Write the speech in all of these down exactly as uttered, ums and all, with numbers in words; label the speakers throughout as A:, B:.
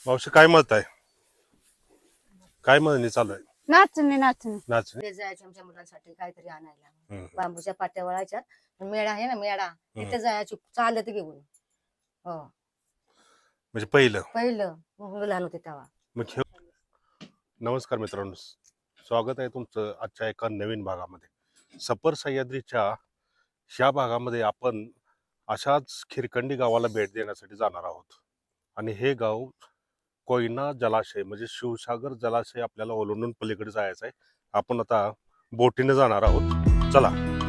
A: मावशी काय मत आहे? काय म्हणणी चालू आहे?
B: नाचणे नाचणे
A: नाचणी.
C: ते जायचं आमच्या मुलांसाठी काहीतरी आणायला
A: हम्म.
C: बांबूच्या पाट्या वळायच्या मेळा आहे ना मेळा
A: हम्म.
C: तिथे जायची चालत घेऊन. हो
A: म्हणजे पहिलं
C: पहिलं मुलं लहान होते तेव्हा.
A: मग हे नमस्कार मित्रांनो, स्वागत आहे तुमचं आजच्या एका नवीन भागामध्ये. सपर सह्याद्रीच्या ह्या भागामध्ये आपण अशाच खिरकंडी गावाला भेट देण्यासाठी जाणार आहोत. आणि हे गाव कोयना जलाशय म्हणजे शिवसागर जलाशय आपल्याला ओलांडून पलीकडे जायचं आहे. आपण आता बोटीने जाणार आहोत. चला.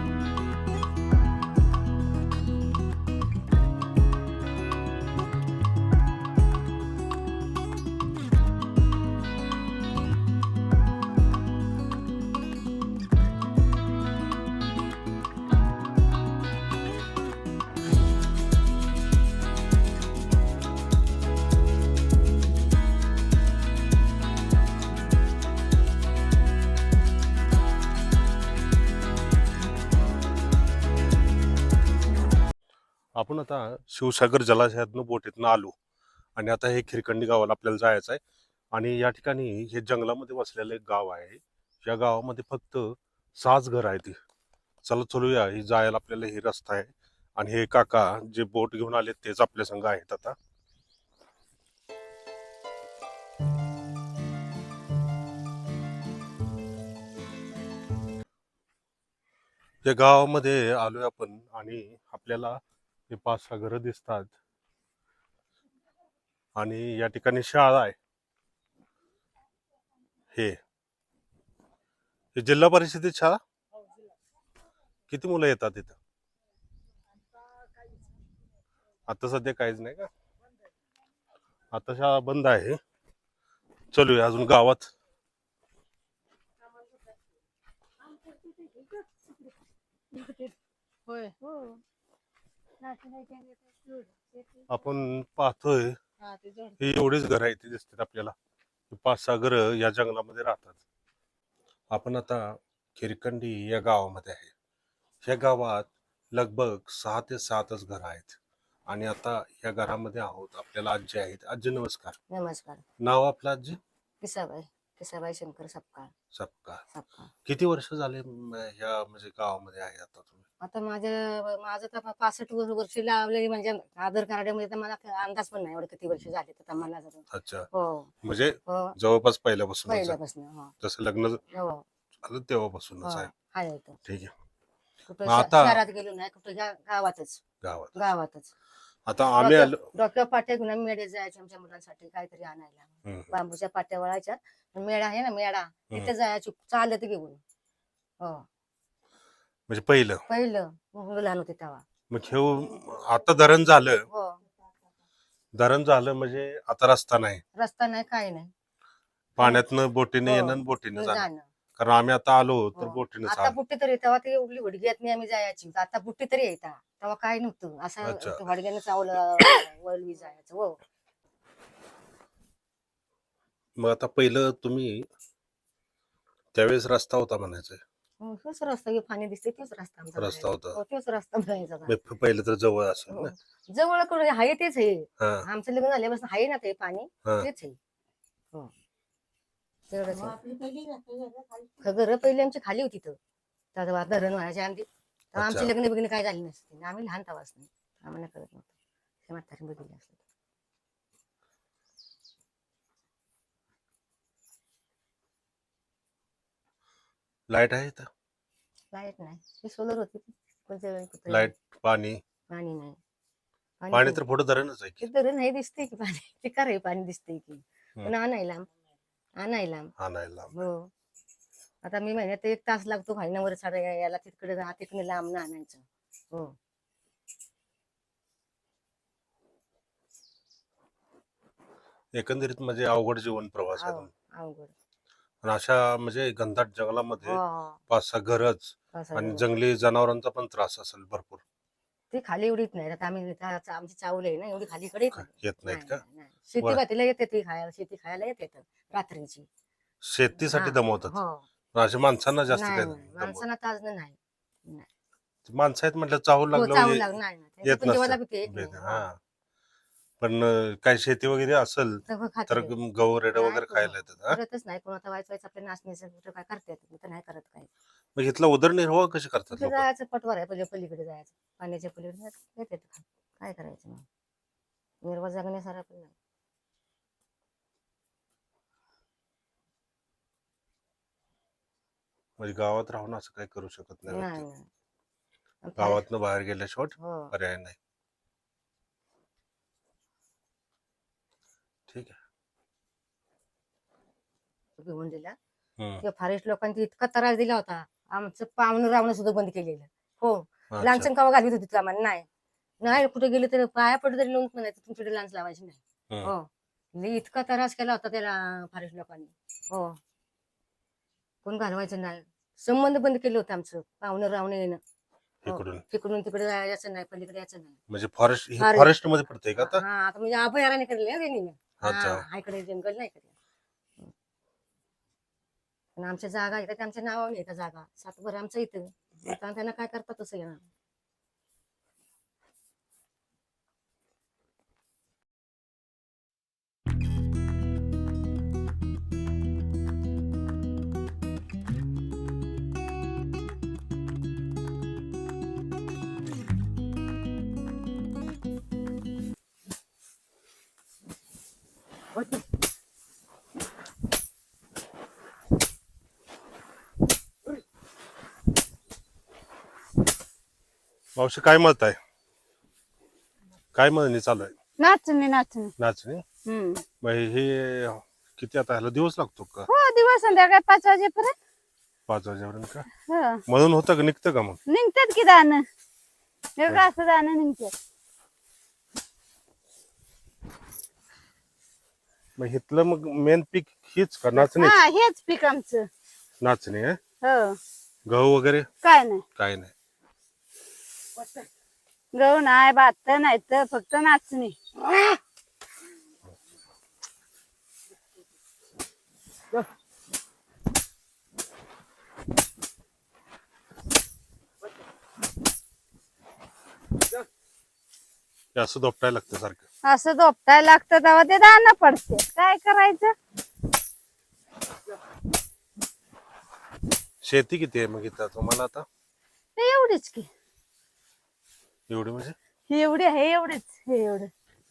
A: आपण आता शिवसागर जलाशयातनं बोटीतनं आलो आणि आता हे खिरकंडी गावाला आपल्याला जायचं आहे. आणि या ठिकाणी हे जंगलामध्ये वसलेलं एक गाव आहे. या गावामध्ये फक्त सहाच घर आहेत. चला चलूया, ही जायला आपल्याला हे रस्ता आहे. आणि हे काका जे बोट घेऊन आले तेच आपल्या संग आहेत. आता या गावामध्ये आलोय आपण आणि आपल्याला हे पाच सहा घरं दिसतात. आणि या ठिकाणी शाळा आहे. हे हे जिल्हा परिषदेत शाळा. किती मुलं येतात इथं? आता सध्या काहीच नाही का? आता शाळा बंद आहे. चलूया अजून गावात.
B: होय
A: आपण पाहतोय
B: हा ते जोड
A: ही एवढीच घरं आहेत, ती दिसतात आपल्याला. पाच सहा घरं या जंगलामध्ये राहतात. आपण आता खिरकंडी या गावामध्ये आहे. या गावात लगभग सहा ते सातच घरं आहेत. आणि आता या घरामध्ये आहोत. आपल्याला आजी आहेत. आजी नमस्कार.
C: नमस्कार.
A: नाव आपलं आजी?
C: किसाबाई किसाबाई शंकर सपकाळ.
A: सपकाळ.
C: सपकाळ.
A: किती वर्ष झाले म, ह्या म्हणजे गावामध्ये आहे आता तुम्ही?
C: आता माझं माझं तर पासष्ट वर्ष लावलेली म्हणजे आधार कार्डामध्ये तर मला अंदाज पण नाही एवढं किती वर्ष झाले तर मला जर.
A: अच्छा.
C: हो
A: म्हणजे
C: हो
A: जवळपास पहिल्यापासून
C: पहिल्यापासून. हो
A: जसं लग्न
C: हो
A: झालं तेव्हापासूनच
C: हो
A: आहे.
C: आहे इथं.
A: ठीक आहे.
C: कुठं
A: मग
C: श-
A: आता-
C: शहरात गेलो नाही कुठं गा- गावातच
A: गावात
C: गावातच
A: आता आम्ही आलो.
C: डॉक्टर पाट्या घेऊन आम्ही मेळे जायचे आमच्या मुलांसाठी काहीतरी आणायला
A: हम्म.
C: बांबूच्या पाट्या वळायच्या मेळा आहे ना मेळा तिथे जायची चालत घेऊन. हो
A: म्हणजे पहिलं
C: पहिलं मुलं लहान होते तेव्हा.
A: मग हे आता धरण झालं.
C: हो
A: धरण झालं म्हणजे आता रस्ता नाही.
C: रस्ता नाही काही नाही.
A: पाण्यातनं बोटीने
C: हो.
A: येणं आणि बोटीने जाणं.
C: जाणं.
A: कारण आम्ही आता आलो तर
C: हो.
A: बोटीने
C: आता बुट्टी तरी तेव्हा ती उडली हुडग्यात नाही आम्ही जायची आता बुट्टी तरी येता तेव्हा काय नव्हतं
A: अच्छा.
C: असं हडग्यानं चावलं वळवी जायचं. हो
A: मग आता पहिलं तुम्ही त्यावेळेस रस्ता होता म्हणायचं.
C: हो, तोच रस्ता हे पाणी दिसते तोच रस्ता आमचा
A: रस्ता
C: जायचा.
A: होता.
C: हो, तोच रस्ता जायचा.
A: मग पहिलं तर जवळ असेल
C: हो.
A: ना.
C: जवळ कडे आहे तेच आहे.
A: हा
C: आमचं लग्न झाल्यापासून आहे ना ते पाणी
A: हा.
C: तेच आहे. हो तेवढंच आहे. घर पहिले आमची खाली होती तर तेव्हा धरण व्हायच्या आधी तेव्हा आमची
A: अच्छा.
C: लग्न बिग्न काय झाली नसते आम्ही लहान तेव्हाच नाही आम्हाला कळत नव्हतं. ते म्हातारी बघितले असते.
A: लाईट आहे इथं?
C: लाईट नाही ती सोलर होती कोणत्या वेळी कुठे
A: लाईट पाणी
C: पाणी नाही.
A: पाणी
C: पण-
A: तर पुढे धरणच आहे की.
C: ते धरण हे दिसते की पाणी ते का रे पाणी दिसते की
A: हम्म.
C: पण आणायला आणायला.
A: आणायला
C: हो आता मी महिन्यात एक तास लागतो भाईनावर साडा यायला तिकडे जा तिकडे लांब ना आणायचं. हो
A: एकंदरीत म्हणजे अवघड जीवन प्रवास आहे.
C: अव- अवघड.
A: आणि अशा म्हणजे घनदाट जंगलामध्ये
C: हो, हो.
A: पाच सहा घरच
C: असं
A: आणि
C: आहे.
A: जंगली जनावरांचा पण त्रास असेल भरपूर.
C: ते खाली एवढीच नाही आता आम्ही इथं चा- आमची चावल आहे ना एवढी खाली कडे
A: येत नाहीत का?
C: शेती
A: बरं.
C: भातीला येते ती खायला शेती खायला येते तर रात्रीची.
A: शेतीसाठी
C: हा.
A: दमवतात.
C: हो
A: अशा माणसांना जास्त
C: नाही
A: काय
C: नाही,
A: दमवतात.
C: माणसांना ताज नाही नाही.
A: माणसं आहेत म्हटलं चाहूल
C: हो,
A: लागलं
C: चावल
A: म्हणजे
C: लाग- नाही नाही. त्यांची
A: येत
C: पण जेवायला
A: नसतं.
C: भीती एक नाही.
A: हा
C: हो.
A: पण अं, काय शेती वगैरे असेल
C: सगळं खाते
A: तर
C: ते.
A: गहू रेडा
C: नाही
A: वगैरे
C: कोण-
A: खायला येतात हा?
C: करतच नाही कोण आता व्हायचं व्हायचं आपल्या नाचण्याचं कुठं काय करता येतं मी तर नाही करत काय
A: मग इथला उदरनिर्वाह कसे करतात
C: तिथे
A: लोक?
C: जायचं पटवार आहे पहिले पलीकडे जायचं पाण्याच्या पलीकडे येते काय करायचं मग निर्वाह जगण्यासारखं पण नाही
A: म्हणजे गावात राहून असं काही करू शकत नाही
C: नाही
A: व्यक्ती.
C: नाही आणि फार-
A: गावातनं बाहेर गेल्याशिवाय
C: हो
A: पर्याय नाही. ठीक आहे.
C: घेऊन दिला
A: हम्म.
C: किंवा फॉरेस्ट लोकांनी इतका त्रास दिला होता आमचं पाहुणं रावणं सुद्धा बंद केलेलं हो
A: अच्छा.
C: लांचन कावा घालत होती आम्हाला नाही नाही कुठे गेले तरी पाया पडलं तरी लोक म्हणायचं तुमच्याकडे लांच लावायची नाही
A: हम्म.
C: हो लई इतका त्रास केला होता त्याला फॉरेस्ट लोकांनी हो कोण घालवायचं नाही संबंध बंद केलं होतं आमचं पाहुणं रावणं येणं हो.
A: इकडून
C: तिकडून तिकडे यायचं नाही पलीकडे यायचं नाही
A: म्हणजे फॉरेस्ट
C: Forest.
A: फॉरेस्ट मध्ये पडतंय का आता?
C: हा आता म्हणजे अभयारण्य केलेलं रेणीने
A: अच्छा.
C: हा इकडे जंगल नाही केलं पण आमच्या जागा इथं त्यांच्या नावाने येतं जागा सातभर आमचं इथं आता त्यांना काय करतात तसं येणार
A: मावशी काय मत आहे? काय म्हणणे चालू आहे?
B: नाचणी नाचणी
A: नाचणी.
B: हम्म
A: मग हे किती आता ह्याला दिवस लागतो का?
B: हो दिवस संध्याकाळी पाच वाजेपर्यंत
A: पाच वाजेपर्यंत का?
B: हो
A: म्हणून होतं का निघतं का मग?
B: निघतात की दाणं वेगळं असं दाणं निघतात
A: मग इथलं मग मेन पीक हीच का नाचणी?
B: हा हेच पीक आमचं
A: नाचणी आहे.
B: हो
A: गहू वगैरे
B: काय नाही
A: काय नाही.
B: गहू नाही भात नाही तर फक्त नाचणी
A: हे असं दोपटायला लागतं सारखं.
B: असं दोपटायला लागतं तेव्हा ते दाणं पडते काय करायचं
A: शेती किती आहे मग इथं तुम्हाला आता?
B: ते एवढीच की
A: एवढी म्हणजे
B: ही एवढी आहे एवढीच हे एवढं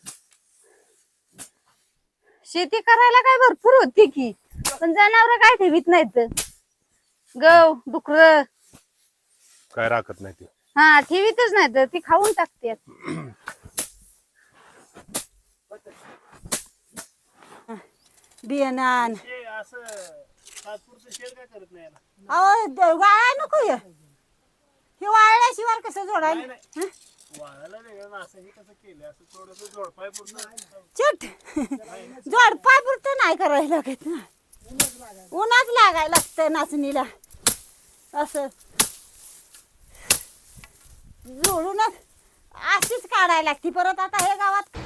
B: शेती करायला काय भरपूर होती की पण जनावर काय ठेवीत नाहीत गव डुकर
A: काय राखत नाही ती.
B: हा ठेवीतच नाहीत ती खाऊन टाकतात बियाणान
D: अहो द- वाळा नको हे हे वाळल्याशिवाय कसं जोडायला हं? चिट जोडपाय पुरतं नाही करायला लागत ना उन्हाच लागायला लागतं नाचणीला असं जोडूनच अशीच काढायला लागती परत आता हे गावात